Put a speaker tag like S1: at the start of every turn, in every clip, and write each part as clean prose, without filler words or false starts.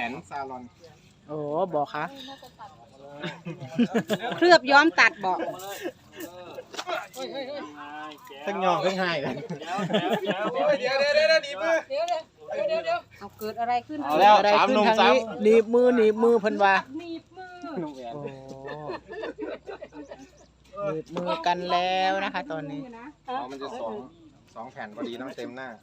S1: นซาลอน
S2: โอ้บอกคะ
S3: เคลือบย้อมตัดบอก
S1: ทั้งยองทั้งไห้กัน
S4: เดี๋ยวหนีมือเดี๋ยว
S3: เอาเกิดอะไรขึ้น
S1: เอาแล้ว
S2: อะไร
S1: สาม
S2: ขึ้
S1: ห
S2: น
S1: นุ่ม
S2: ทาง
S1: สาม
S2: นี้หนีบมือเพิ่นว่า
S3: หนีบมือ
S1: หนุ่มแหวน
S2: โอ้หนีบมือกันแล้วนะคะ ตอนนี้
S1: มันจะสองแผ่นพอดีต้องเต็มหน้า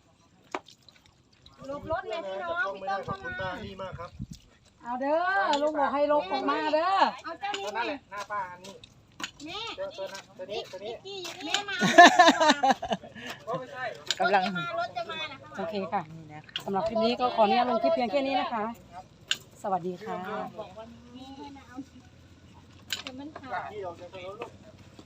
S3: ลบรถเลยพี่น้องพี่ต้นเข้ามา
S4: นี่มากครับ
S3: เอาเด้อลุงบอกให้ลบออกมาเด้อเอาเจ้านี้
S4: ตัวนั้นแหละหน้าป้าอันนี้
S3: แม่
S4: ตัวนี้
S3: แม่มา
S4: ไม่ใช่
S2: กำลัง
S3: รถจะมานะคะ
S5: โอเคค่ะ
S2: นี่นะคะ
S5: สำหรับคลิปนี้ก็ขออนุญาตลงคลิปเพียงแค่นี้นะคะ สวัสดีค่ะ
S3: แต่มันขาด
S4: ที่เราจะไปรถลูก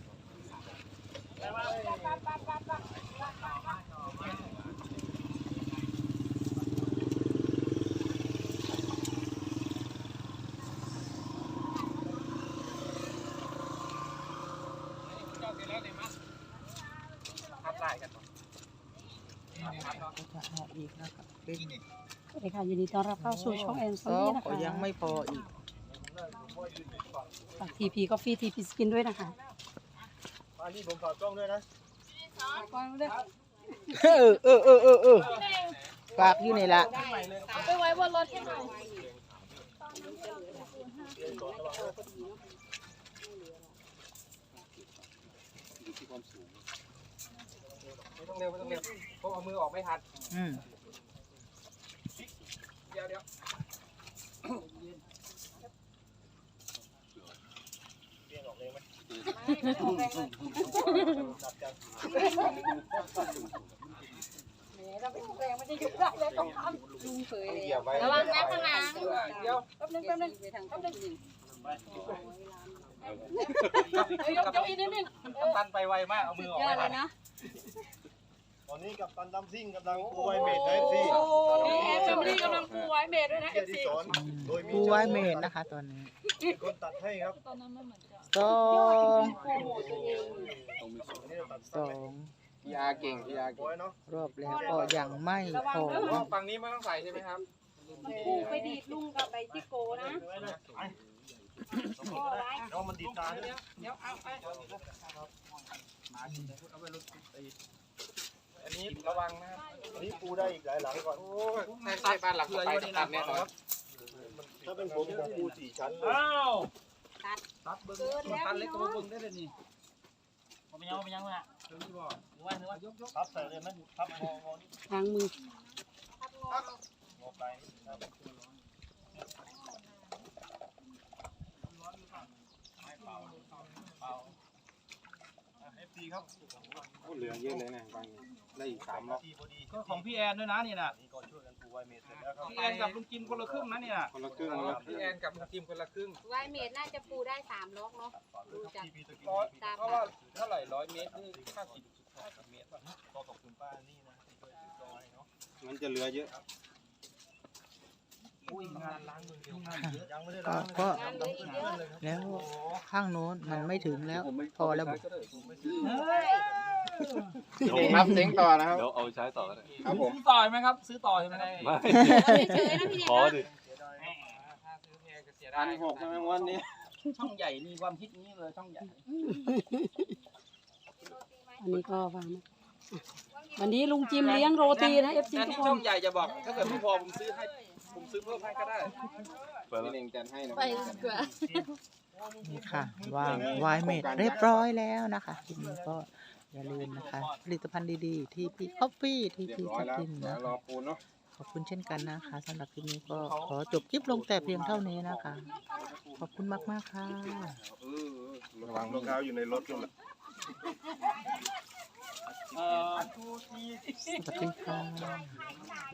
S2: ก็จะเอาอีกนะคะเป็น
S5: สวัสดีค่ะยินดีต้อนรับเข้าสู่ช่องแอนซ
S2: ก็
S5: นี่นะคะ
S2: ยังไม่พออีก
S5: ฝากทีพีก็ฟรีทีพีสกินด้วยนะคะ
S4: อันนี้ผมฝากกล้องด้วยนะ
S2: ฝากอยู่นี่ละ
S3: ไปไว้บนรถให้หน่อย
S4: ไม่ต้องเร็วเพราะเอามือออกไม่ทัน
S2: อืม
S4: เดี๋ยวเรียงออกเลยไหมจับจัง
S3: เราเป็นแรงมันจะหยุดได้แล้วต้องทำลุงเผย
S4: เหยียบไว้
S3: ระวังนะข้างหลัง
S4: เดี๋ยว
S3: แป๊บนึงไปทางข้างหลังยกอีกนิดนึง
S4: ตันไปไวมากเอามือออก
S3: เย
S4: ไม่
S3: อะเล
S4: ทัน
S3: ยนะ
S4: ตอนนี้กับตันดำซิ่งกำลังปูไวเมดนะสิ
S3: นี่แอนแฟมิลี่กำลังปูไว้เมดด้วยนะ
S4: เกียรติสอนโดยมี
S2: ผู้ไว้เมนนะคะ ตอนนี้
S4: คนตัดให้ครับ
S3: ตอนนั้นมันเหมือนจะ
S2: สอง
S3: โปรโมทตัวเอง
S4: อันนี้เราตัด
S2: สอง
S1: พี่อาเก่งพี่อาเก่
S4: ไว้
S1: ง
S4: เนาะ
S2: รอบแล้วก็ยังไม่พอ
S4: ฝั่งนี้ไม่ต้องใส่ใช่ไหมครับ
S3: มันปูไปดีดลุงกับไปที่โกนะพ่อไว้
S4: เอามันดีดตาเนี่ย
S3: เดี๋ยวเอาไป
S4: อันนี้ระวังนะครับอันนี้ปูได้อีกหลายหลังก่อน
S1: ใต้บ้านหลังไปตัดแน่นอน
S4: ถ้าเป็นผมปู4 ชั้นเลย
S3: ตัดเกินแล้วพี่น้อง
S4: ทับใส่เลยไหมทับงอนี่
S5: ทางมือ
S4: งอไปFT ครับ
S1: เหลือเยอะเลยนะบางได้อีก3รอบ
S4: พอดี
S6: ก็ของพี่แอนด้วยนะนี่นะ
S4: นี่ก็ช่วยกันปูไวเมดเสร็จแล้วครับ
S6: พี่แอนกับลุงจิมคนละครึ่งนะเนี่ย
S1: คนละครึ่ง
S4: พี่แอนกับทีมคนละครึ่ง
S3: ไว้เมดน่าจะปูได้3ล็อกเนาะดูจาก
S4: ทีพีตะกี้
S6: เพราะว่าเท่าไหร่100 เมตรนี่50เมตรป่ะ
S4: ก็ขอบคุณป้านี่นะที่ช่วยซื้อซอยเนาะ
S1: มันจะเหลือเยอะ
S6: อุ้ยงานล้างมือเดียว
S4: ยังไม่ได้
S2: ก็
S4: ล้าง
S2: ก็
S3: งานเหลืออีกเยอะ
S2: แล้วข้างโน้นมันไม่ถึงแล้ว พอแล้วบอก
S1: รับเสียงต่อนะครับ
S7: เดี๋ยวเอาไปใช้ต่อก็ได้
S1: ครับผม
S6: ซื้อต่อไหมครับ ซื้อต่อใช่ไหม
S7: ไม่
S3: เฉยๆนะพี่
S7: ขอ
S3: เด็ก
S7: ดิ
S4: ถ้าซื้อแพงก็เสียดาย
S1: 1,600ใช่ไหมวันนี้
S6: ช่องใหญ่นี่ความคิดนี้เลยช่องใหญ่
S5: อันนี้ก็วางนะวันนี้ลุงจิมเลี้ยงโรตีนะเอฟซี
S6: งั้น
S5: ทุกค
S6: ช่อน งใหญ่จะบอก ถ้าเกิดไม่พอผมซื้อให้ ผมซื้อเพิ่มให้ก็ได้
S7: เปิด
S1: พี่
S7: แล้ว
S1: เน่งจัดให้นะ
S3: ไปดีกว่า
S2: นี่ค่ะวางไวเมดเรียบร้อยแล้วนะคะทีนี้ก็อย่าลืมนะคะ ผลิตภัณฑ์ดีๆที่พี่คอฟฟี่ที่
S1: เรียบ
S2: พี่
S1: ร้อย
S2: ทับ
S1: แล้ว
S2: ทิม
S1: เดี๋ย
S2: นะ
S1: วรอปูนเนาะ
S2: ขอบคุณเช่นกันนะคะสำหรับคลิปนี้ก็ขอจบคลิปลงแต่เพียงเท่านี้นะคะ ขอบคุณมากๆค่ะ
S1: ระวัง
S4: รองเท้าอยู่ในรถนู่นแหละ
S2: สวัสดีค่ะ